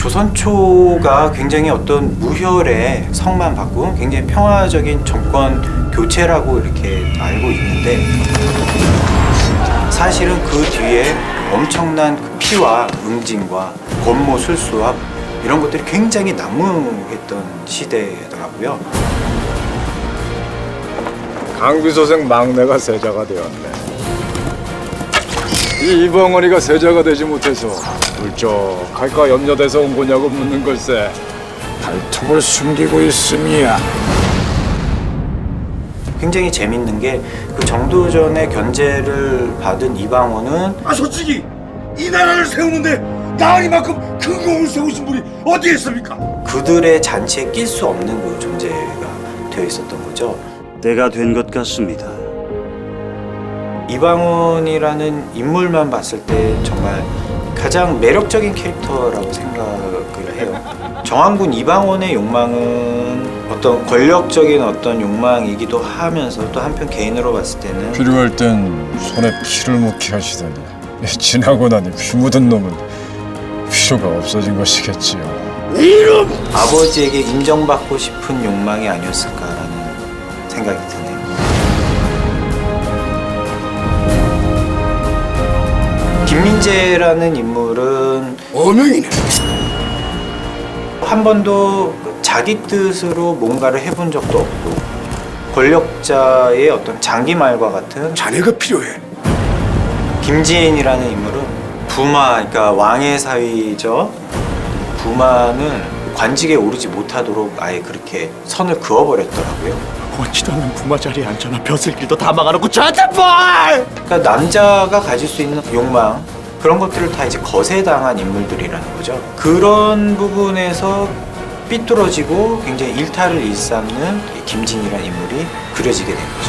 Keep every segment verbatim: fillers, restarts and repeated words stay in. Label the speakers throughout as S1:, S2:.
S1: 조선초가 굉장히 어떤 무혈의 성만 바꾼 굉장히 평화적인 정권 교체라고 이렇게 알고 있는데 사실은 그 뒤에 엄청난 그 피와 응징과 권모 술수와 이런 것들이 굉장히 난무했던 시대더라고요.
S2: 강비소생 막내가 세자가 되었네. 이 이방원이가 세자가 되지 못해서 울적할까 염려돼서 온 거냐고 묻는 걸세. 발톱을 숨기고 있음이야.
S1: 굉장히 재밌는 게 그 정도전의 견제를 받은 이방원은
S3: 아 솔직히 이 나라를 세우는데 나으리만큼 큰 공을 세우신 분이 어디 있습니까?
S1: 그들의 잔치에 낄 수 없는 그 존재가 되어 있었던 거죠.
S4: 때가 된 것 같습니다.
S1: 이방원이라는 인물만 봤을 때 정말 가장 매력적인 캐릭터라고 생각을 해요. 정한군 이방원의 욕망은 어떤 권력적인 어떤 욕망이기도 하면서 또 한편 개인으로 봤을 때는
S2: 필요할 땐 손에 피를 묻게 하시다니. 지나고 나니 피 묻은 놈은 필요가 없어진 것이겠지요.
S1: 아버지에게 인정받고 싶은 욕망이 아니었을까라는 생각이 드네요. 김민재라는 인물은
S3: 어명이네.
S1: 한 번도 자기 뜻으로 뭔가를 해본 적도 없고 권력자의 어떤 장기말과 같은
S3: 자네가 필요해.
S1: 김지인이라는 인물은 부마, 그러니까 왕의 사위죠. 부마는 관직에 오르지 못하도록 아예 그렇게 선을 그어버렸더라고요.
S5: 원치도 않는 부마 자리에 앉아나 벼슬길도 다 막아놓고 저한테 뭘!
S1: 그러니까 남자가 가질 수 있는 욕망 그런 것들을 다 이제 거세당한 인물들이라는 거죠. 그런 부분에서 삐뚤어지고 굉장히 일탈을 일삼는 김진이라는 인물이 그려지게 된 거죠.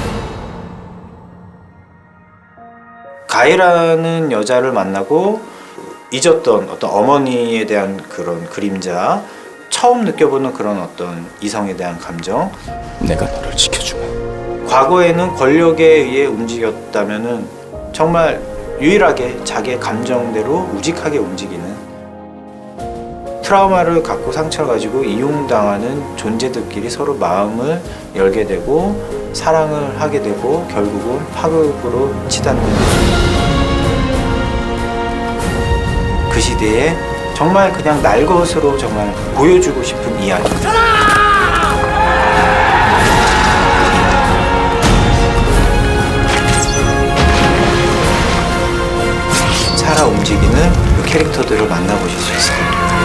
S1: 가희라는 여자를 만나고 잊었던 어떤 어머니에 대한 그런 그림자, 처음 느껴보는 그런 어떤 이성에 대한 감정,
S5: 내가 너를 지켜주마.
S1: 과거에는 권력에 의해 움직였다면은 정말 유일하게 자기의 감정대로 우직하게 움직이는 트라우마를 갖고 상처를 가지고 이용당하는 존재들끼리 서로 마음을 열게 되고 사랑을 하게 되고 결국은 파국으로 치닫는 그 시대에 정말 그냥 날 것으로 정말 보여주고 싶은 이야기. 살아 움직이는 그 캐릭터들을 만나보실 수 있을 겁니다.